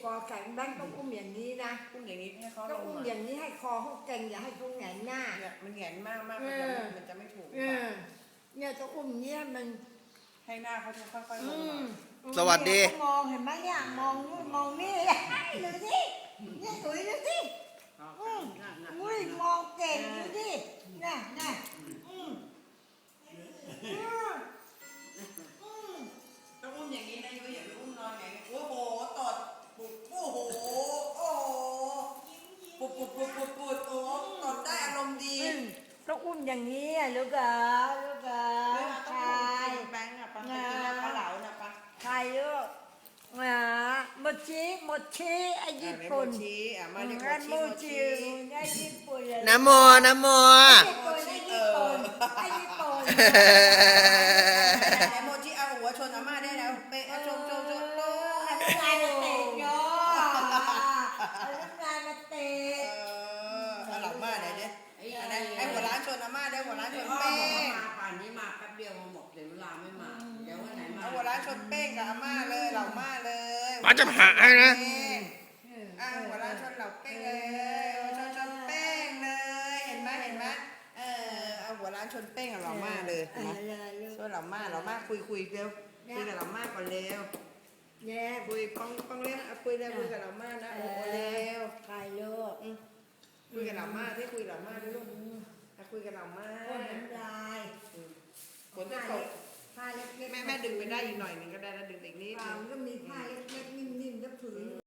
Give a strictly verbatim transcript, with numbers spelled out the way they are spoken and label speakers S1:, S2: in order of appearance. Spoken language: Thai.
S1: คอแข็งแบงค์ต้องอุ้มอย่างนี้นะ
S2: อุ้มอย่างนี้ให้เขาล
S1: ต้อง
S2: ง
S1: อุ้ม
S2: มา
S1: อย่างนี้ให้คอเขาเก่งอย่าให้เขาแหงนหน้า
S2: เนี่ยมันแหงนมากมากมันจะไม่ถูก
S1: เออเนี่ยต้องอุ้มเนี่ยมัน
S2: ให้หน้าเขาจะค่อยๆล
S1: อื
S2: ง
S1: ม
S2: มา
S3: สวัสดี
S1: มองเห็นไหมเนี่ยมองนู่นมองนี่ดูสิเนี่ยสวยดูสิอืมอุ้ยมองเก่งดูสิน่ะน่ะอืมอืมอืม
S2: ต้องอุ้มอย่างนี้นะยุ้ยอย่าไปอุ้มนอนอย่างนี้โอ้โหตดปุบโอ้โหโอ้โหปุบปุบปุบปุบปุบโอ้ตดได้อารมณ์ดี
S1: อืมต้องอุ้มอย่างนี้อ่ะลูกเหรอลูกเหรอ
S2: เวลาต้อง
S1: ใคร
S2: อุ้มแบงค์อะปังไปกินน้ำปลาเหลานะปัง
S1: ใครลูกอ่าโมชิโมชิไอ้ญี่ปุ่น
S2: โมชิอ่ะมาเรียก
S1: งั้น
S2: โม
S1: โม
S2: ชิ
S1: ชิไอ้ญี่ปุ่นเลย
S3: นะโมนะโม
S1: ญี่ปุ่นไอ้ญี่ปุ่นไอ้ญี่ปุ่น
S2: ไหนโมชิเอาหัวชนอาม่าได้แล้วเป๊ะชนชนชนโต
S1: เอาน้ำลายมาเตะโยเอาน้ำลายมาเตะ
S2: เออเอาหลังมาไหนดิไหนไอ้หัวร้านชนอาม่าได้หัวร้านชน
S4: พ่อ
S2: เป้
S4: บอกว่าง มาป่านนี้มาแป๊บเดียวมาหมดเดี๋ยวเวลาไม่มา เดี๋ยววันไหนมา
S2: เอาหัวร้านชนเป้งกับอาม่าเลยเหล่าม่าเลย
S3: ป้าจะหาให้นะ
S2: อ่ะหัวร้านชนเหล่าเป้งเลยชนชนเป้งเลยเห็นไหมเห็นไหมเออเอาหัวร้านชนเป้งกับเหล่าม่าเลย
S1: เออ
S2: นะ
S1: เลยลูก
S2: ช่วยเหล่าม่าเหล่าม่าคุยคุยเร็วคุยกับเหล่าม่าก่อนเร็ว
S1: แย่
S2: คุยป้องป้องเล่นเอาคุยเร็วคุยกับเหล่าม่านะโอ้โหเร็ว
S1: ใครลูก
S2: อืมคุยกับเหล่าม่าที่คุยกับเหล่าม่าด้วยลูกอ่ะคุยกับเหล่าม่า
S1: พ่นน้ำลาย
S2: ฝนจะตก
S1: ผ้าเล็กๆ
S2: แม่แม่ดึงไปได้อีกหน่อยหนึงก็ได้นะดึงไปอีกนิด
S1: เปล่า
S2: นึง
S1: ก็มีผ้าเล็กๆนิ่มๆแล้วผืน